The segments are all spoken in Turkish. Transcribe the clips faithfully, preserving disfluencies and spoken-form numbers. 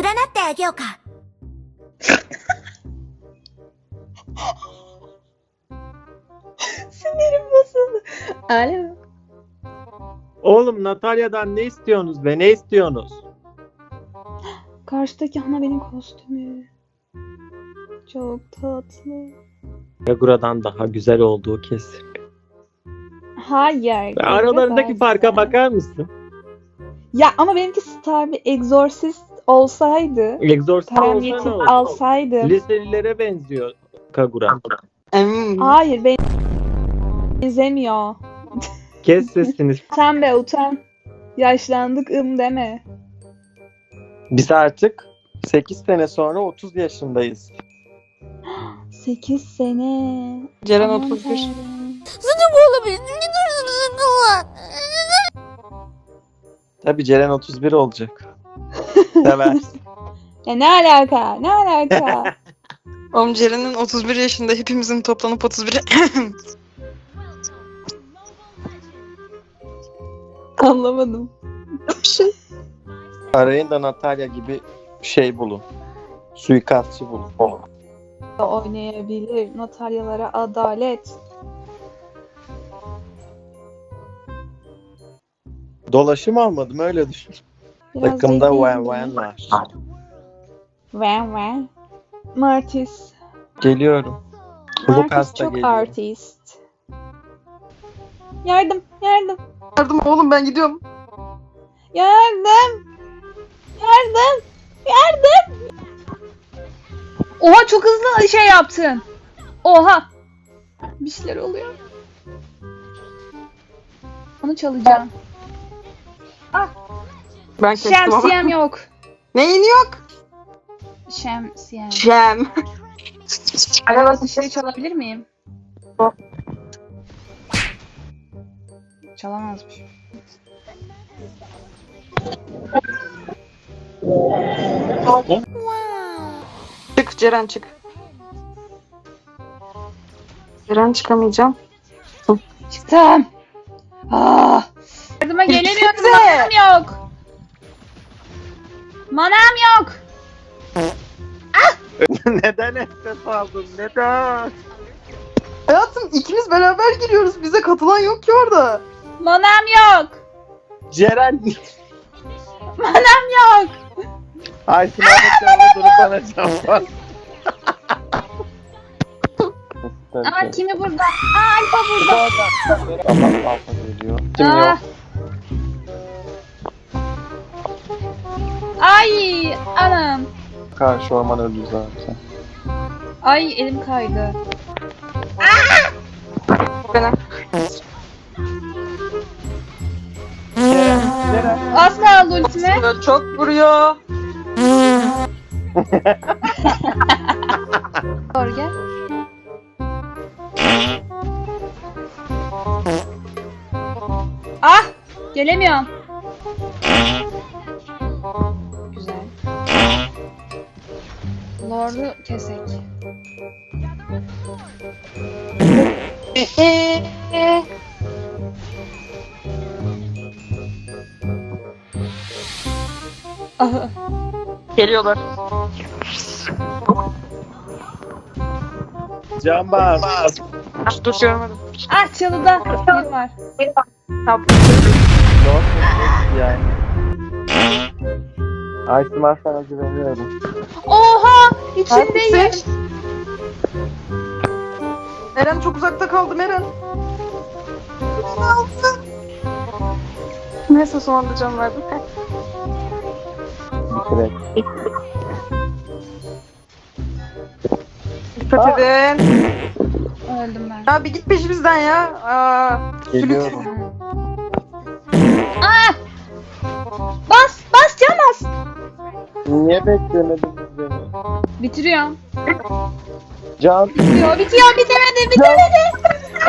ってあげようか。 Sinirim bozuldu. Alo. Oğlum Natalya'dan ne istiyorsunuz be? Ne istiyorsunuz? Karşıdaki ana benim kostümü. Çok tatlı. Kagura'dan daha güzel olduğu kesin. Hayır. Ve aralarındaki farka bakar mısın? Ya ama benimki Star bir Exorcist olsaydı, Exorcist param olsa ne yetip olur? alsaydım. Liselilere benziyor Kagura. Hayır, ben benzemiyor. Kes sesini. Utan be utan. Yaşlandık ım deme. Biz artık sekiz sene sonra otuz yaşındayız. sekiz sene. Ceren Aman otuz bir. Tanrım. Tabii Ceren otuz bir olacak. Seversin. Ya ne alaka? Ne alaka? Oğlum Ceren'in otuz bir yaşında, hepimizin toplanıp otuz bir. Anlamadım. Bir şey. Arayın da Natalya gibi şey bulun. Suikastçı bulun. Oynayabilir. Notaryalara adalet. Dolaşım almadım öyle düşün. Biraz Takımda zeki Wen gibi. Wen var. Wen Wen. Martis. Geliyorum. Lucas Martis da çok geliyor. artist. Yardım, yardım, Yardım oğlum, ben gidiyorum. yardım. Yardım, yardım. Oha çok hızlı şey yaptın. Oha. Bir şeyler oluyor. Onu çalacağım. Ben kestim ama. Şemsiyem yok. Neyin yok? Şemsiyem. Cem. Arabası şey çalabilir miyim? Çalamazmış. Çık Ceren, çık. Ceren, çıkamayacağım. Çıktım. Ah. Yardıma gelemiyorum. Gitsene. Manam yok. Manam yok. Neden nefes aldın? Neden? Hayatım, ikimiz beraber giriyoruz. Bize katılan yok ki orada. Manam yok. Ceren. Manam yok. Ay sınavda canlı durup bana can var. Aa kimi burada? Aa Alfa burada. Tamam alfa geliyor. Kim Ah. yok? Ay anam. Karşı orman öldü zaten. Ay elim kaydı. Benim. Ceren, Ceren. Az kaldı ultime. Çok vuruyor. Doğru gel. Ah! Gelemiyorum. Güzel. Lord'u kesek. Ah, Geliyorlar. Can bas. Dur, görmedim. ah çalıda biri var. Doğru yani. Ay Simar sana güveniyorum. Oha! İçindeyim. Neredesin? Eren çok uzakta kaldım, Eren. Neyse, son anda can verdim. Evet. Dikkat edin. Öldüm ben. Ya bir git peşimizden ya. Aa, Geliyorum. Ah! Bas! Bas can bas! Niye beklemediniz beni? Bitiriyorum. Can. Bitiyor, bitiyor, bitemedi, bitemedi.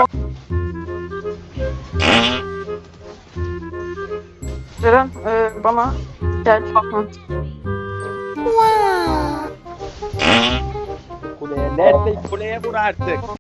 Ceren, e, bana gel. Kuleye nerede? Kuleye vur artık.